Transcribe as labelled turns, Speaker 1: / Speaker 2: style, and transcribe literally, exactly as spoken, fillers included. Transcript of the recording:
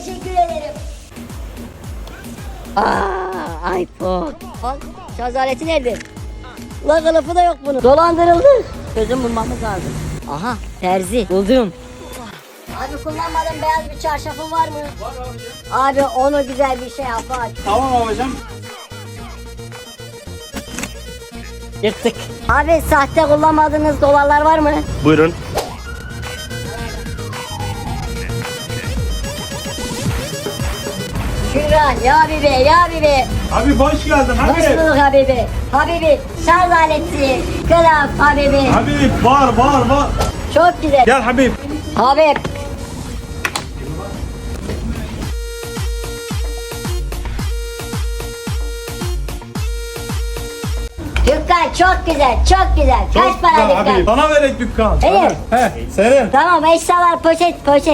Speaker 1: teşekkür ederim. Aa, iPhone. Bak şarj aleti nerede? La kılıfı da yok bunun. Dolandırıldı. Çözüm bulmamız lazım. Aha terzi buldum. Abi kullanmadığın beyaz bir çarşafın var mı?
Speaker 2: Var abicim.
Speaker 1: Abi onu güzel bir şey yap bak.
Speaker 2: Tamam abicim.
Speaker 1: Yırttık. Abi sahte kullanmadığınız dolarlar var mı?
Speaker 2: Buyurun.
Speaker 1: Şükran ya Habibi ya Habibi.
Speaker 2: Abi hoş geldin
Speaker 1: Hoş
Speaker 2: abi.
Speaker 1: bulduk Habibi. Habibi şarj aleti, kılaf Habibi.
Speaker 2: Habib var var var.
Speaker 1: Çok güzel.
Speaker 2: Gel Habib.
Speaker 1: Habib. Dükkan çok güzel, çok güzel. Kaç para
Speaker 2: Çok güzel
Speaker 1: dükkan?
Speaker 2: Habib. Sana verek dükkan.
Speaker 1: Evet.
Speaker 2: He, senin.
Speaker 1: Tamam eşyalar poşet poşet.